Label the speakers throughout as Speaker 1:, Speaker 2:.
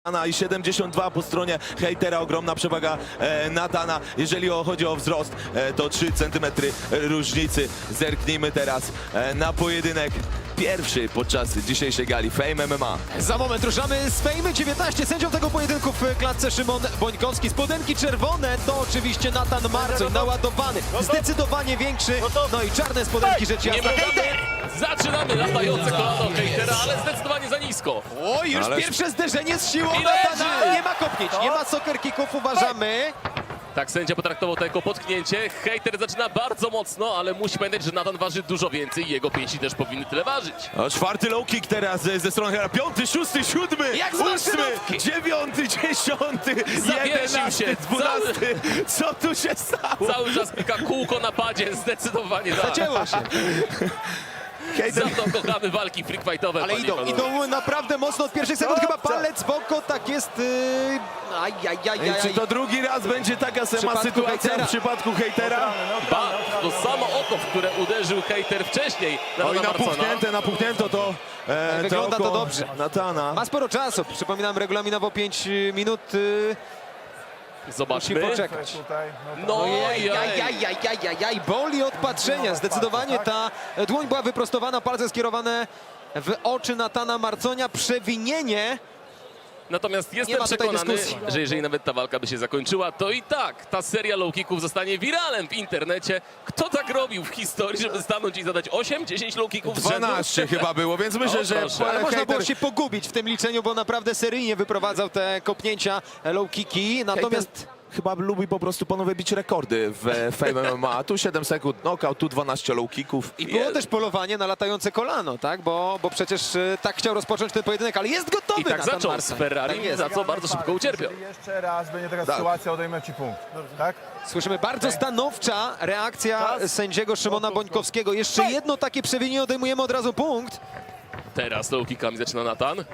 Speaker 1: I 72 po stronie hejtera, ogromna przewaga Natana. Jeżeli chodzi o wzrost, to 3 cm różnicy. Zerknijmy teraz na pojedynek pierwszy podczas dzisiejszej gali Fame MMA.
Speaker 2: Za moment ruszamy z Fame 19. Sędzią tego pojedynku w klatce Szymon Bońkowski. Spodenki czerwone to oczywiście Natan Marcoń, naładowany, zdecydowanie większy. No i czarne spodenki, rzecz
Speaker 3: Nie
Speaker 2: jasna.
Speaker 3: możemy. Zaczynamy latające kolano hejtera, ale zdecydowanie za nisko.
Speaker 2: O, już
Speaker 1: Ale-
Speaker 2: pierwsze zderzenie z siłą
Speaker 3: I
Speaker 2: Natana.
Speaker 3: leży!
Speaker 2: Nie ma kopnięć, nie ma soccer kicków, uważamy.
Speaker 3: Tak sędzia potraktował to jako potknięcie. Hejter zaczyna bardzo mocno, ale musi pamiętać, że Natan waży dużo więcej i jego pięści też powinny tyle ważyć.
Speaker 1: O, 4. low kick teraz ze strony hejtera. 5., 6., 7.,
Speaker 2: Jak z
Speaker 1: 8.,
Speaker 2: maszynówki.
Speaker 1: 9., 10.,
Speaker 3: Zawiesił
Speaker 1: 11.,
Speaker 3: się.
Speaker 1: 12. Co tu się stało?
Speaker 3: Cały czas klika kółko na padzie, zdecydowanie tak.
Speaker 2: Zacięło się.
Speaker 1: Hejter.
Speaker 3: Za to kochamy walki freakfightowe.
Speaker 2: Ale
Speaker 3: panie i panowie.
Speaker 2: idą naprawdę mocno od pierwszych sekund. Chyba palec w oko, tak jest.
Speaker 1: Czy to drugi raz będzie taka sama
Speaker 2: przypadku
Speaker 1: sytuacja
Speaker 2: hejtera.
Speaker 1: w przypadku hejtera?
Speaker 3: Ba, to samo oko, w które uderzył hejter wcześniej na
Speaker 1: Oj,
Speaker 3: Natana Marcona.
Speaker 1: napuchnięto to.
Speaker 2: Wygląda to
Speaker 1: oko
Speaker 2: dobrze.
Speaker 1: Natana.
Speaker 2: Ma sporo czasu. Przypominam, regulaminowo 5 minut. Musi
Speaker 3: Zobaczmy.
Speaker 2: poczekać.
Speaker 3: No
Speaker 2: Ojej,
Speaker 3: ojej.
Speaker 2: boli od patrzenia. Zdecydowanie ta dłoń była wyprostowana, palce skierowane w oczy Natana Marconia. Przewinienie.
Speaker 3: Natomiast
Speaker 2: Nie
Speaker 3: jestem
Speaker 2: ma tutaj
Speaker 3: przekonany,
Speaker 2: dyskusji.
Speaker 3: że jeżeli nawet ta walka by się zakończyła, to i tak ta seria low kicków zostanie wiralem w internecie. Kto tak robił w historii, żeby stanąć i zadać 8-10 low kicków z rzędu?
Speaker 1: 12 chyba było, więc myślę,
Speaker 3: O,
Speaker 1: że
Speaker 3: proszę.
Speaker 2: Ale można było
Speaker 1: hejter-
Speaker 2: się pogubić w tym liczeniu, bo naprawdę seryjnie wyprowadzał te kopnięcia, low kicki. Natomiast
Speaker 1: chyba lubi po prostu panowie bić rekordy w Fame MMA. Tu 7 sekund knockout, tu 12 low kicków.
Speaker 2: i było też polowanie na latające kolano, tak? Bo przecież tak chciał rozpocząć ten pojedynek, ale jest gotowy
Speaker 3: I tak
Speaker 2: Natan
Speaker 3: zaczął z
Speaker 2: Marcoń.
Speaker 3: Ferrari,
Speaker 2: Tak jest.
Speaker 3: za co bardzo szybko ucierpiał.
Speaker 4: Jeżeli jeszcze raz będzie taka
Speaker 1: Tak.
Speaker 4: sytuacja, odejmę ci punkt. Tak?
Speaker 2: Słyszymy bardzo stanowcza reakcja sędziego Szymona Bońkowskiego. Jeszcze jedno takie przewinienie, odejmujemy od razu punkt.
Speaker 3: Teraz low kickami zaczyna Natan.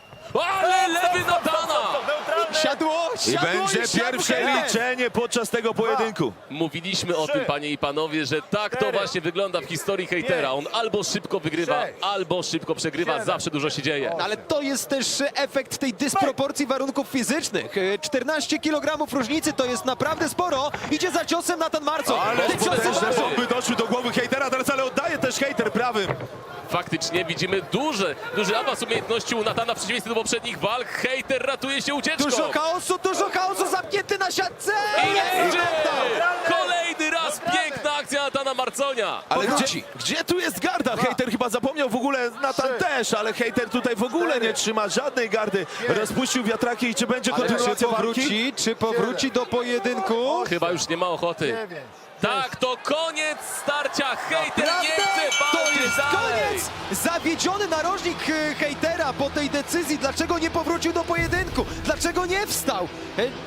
Speaker 3: Ale lewy Natana!
Speaker 2: Siadło,
Speaker 1: I
Speaker 2: siadło
Speaker 1: będzie
Speaker 2: siadło
Speaker 1: pierwsze
Speaker 2: hejter.
Speaker 1: liczenie podczas tego pojedynku.
Speaker 3: Mówiliśmy o tym, panie i panowie, że tak to właśnie wygląda w historii hejtera. On albo szybko wygrywa, albo szybko przegrywa. Zawsze dużo się dzieje.
Speaker 2: No, ale to jest też efekt tej dysproporcji warunków fizycznych. 14 kg różnicy to jest naprawdę sporo. Idzie za ciosem Natan Marcoń.
Speaker 1: Ale
Speaker 2: Te ciosy
Speaker 1: potężne
Speaker 2: ważą.
Speaker 1: bomby doszły do głowy hejtera, teraz ale oddaje też hejter prawym.
Speaker 3: Faktycznie widzimy duży awans umiejętności u Natana w przeciwieństwie do poprzednich walk. Hejter ratuje się ucieczką.
Speaker 2: Dużo chaosu, zamknięty na siatce.
Speaker 3: I leży! Kolejny raz piękna akcja Natana Marconia.
Speaker 1: Ale gdzie tu jest garda? Hejter chyba zapomniał w ogóle, Natan też, ale hejter tutaj w ogóle nie trzyma żadnej gardy. Rozpuścił wiatraki i czy będzie
Speaker 2: Ale czy
Speaker 1: kontynuacja walki?
Speaker 2: powróci? Czy powróci do pojedynku?
Speaker 3: Chyba już nie ma ochoty. Tak, to koniec starcia. Hejter nie chce
Speaker 2: To
Speaker 3: walczyć
Speaker 2: jest
Speaker 3: dalej.
Speaker 2: koniec! Zawiedziony narożnik hejtera po tej decyzji. Dlaczego nie powrócił do pojedynku? Dlaczego nie wstał?